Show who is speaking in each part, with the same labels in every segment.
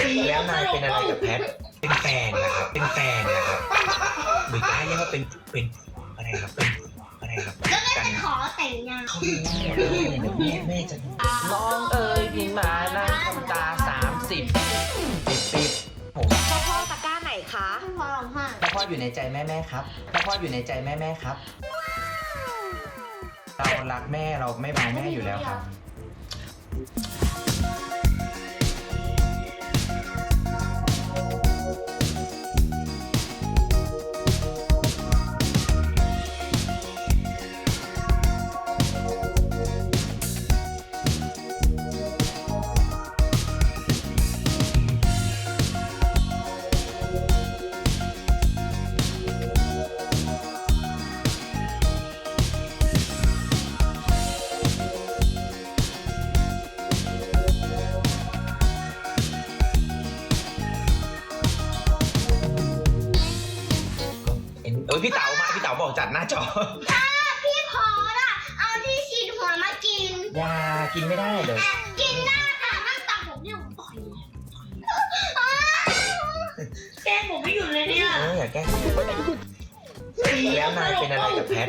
Speaker 1: แล้วนายเป็นอะไรกับแพทเป็นแฟนนะครับเป็นแฟนนะครับหรือจะให้เรียกว่าเป็นอะไรครับเป็นอะไรครับ
Speaker 2: แล้วแม่จะขอแต่งงาน
Speaker 1: เขารู้หมดเลยเดี๋ยวแม่จะ
Speaker 3: น้องเอ๋ยพี่มานั่งทำตา30ปิบผม
Speaker 4: พ่อตะกร้าไหนคะ
Speaker 2: พ่อร้องไห้
Speaker 3: พ่ออยู่ในใจแม่ครับพ่ออยู่ในใจแม่ครับ เรารักแม่เราไม่บายแม่อยู่แล้วครับ
Speaker 1: พี่เต๋ามาพี่เต๋าบอกจัดหน้าจอ
Speaker 2: พี่พอละเอาที่ฉีดหัวมากิน
Speaker 3: ยากินไม่ได้เลย
Speaker 2: กินได้ค่ะนั่งตักผมเนี่ยผมต่อยแกล้งผมไม่หยุดเลยเนี่ย
Speaker 1: อย่าแกล้งแล้วนายเป็นอะไรกับแพท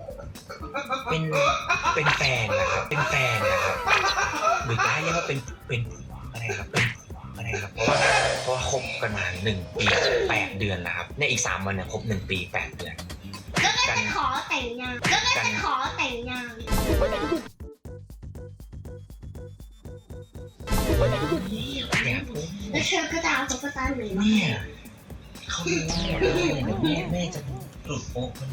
Speaker 1: เป็นแฟนนะครับเป็นแฟนนะครับหรือจะให้เรียกว่าเป็นอะไรครับเป็นอะไรครับเพราะว่าคบกันมา1 ปี 8 เดือนแล้วครับในอีก3 วันเนี่ยครบ1 ปี 8 เดือน
Speaker 2: แล้วแม่จะขอแต่งงานแล้วแม่จะขอแต่งงาน
Speaker 1: เนี่ย
Speaker 2: แล้วเธอก็จะเอาตุ๊กตาหรือ
Speaker 1: เนี่ยเขารู้หมดเลยเดี๋ยวแม่จะหลุดโป๊ะมัน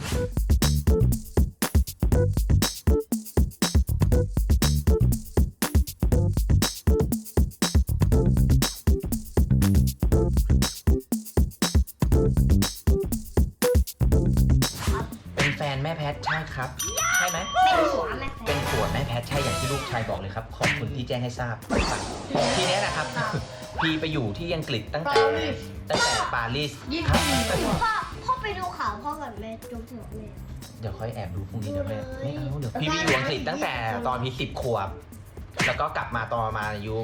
Speaker 3: เป็นแฟนแม่แพทใช่ครับ ใช่ไหม
Speaker 2: เป็นหัวแม่แฟ
Speaker 3: เป็นผัวแม่แพทใช่อย่างที่ลูกชายบอกเลยครับ ขอบคุณที่แจ้งให้ทราบทีเนี้ยนะครับ พี่ไปอยู่ที่อังกฤษตั้งแต่ปารีสครับ
Speaker 2: พ่อไปดูข่าวพ่อกับแม่จุ๊บถึงแม่
Speaker 3: เดี๋ยวค่อยแอบดูพรุ่งนี้เดี๋ยวแม่ไม่เอาเดี๋ยวพี่ไปอยู่อังกฤษตั้งแต่ตอนพี่10 ขวบ แล้วก็กลับมาตอนประมาณอายุ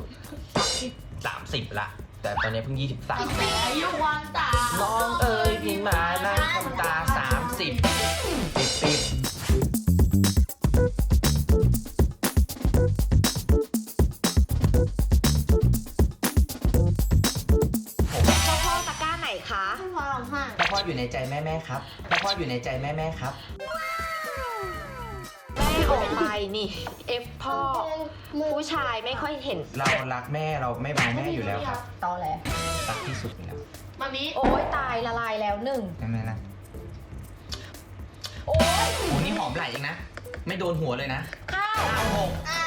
Speaker 3: 30ละแต่ตอนนี้เพิ่ง23
Speaker 2: อายุวันตา
Speaker 3: น้องเอ๋ยพี่มานั่งทำตา30ปิบ
Speaker 4: พ่อตะกร้าไหนคะ
Speaker 2: พ่อร้องไห้
Speaker 3: พ่ออยู่ในใจแม่ครับพ่ออยู่ในใจแม่ครับ
Speaker 4: แม่ออกไปนี่เอฟพ่อ ผู้ชายไม่ค่อยเห็น
Speaker 3: เรารักแม่เราไม่บายแม่อยู่แล้วครับ
Speaker 4: ตอแหล
Speaker 3: รักที่สุดอยู่แล้ว
Speaker 2: มามิ
Speaker 4: โอ้ยตายละลายแล้วหนึ่ง
Speaker 3: ใช่ไหมล่ะ
Speaker 4: โอ้ย
Speaker 3: โอ้นี่หอมไหลเองนะ ไม่โดนหัวเลยนะ
Speaker 4: ข้าว
Speaker 3: 96
Speaker 2: อ้า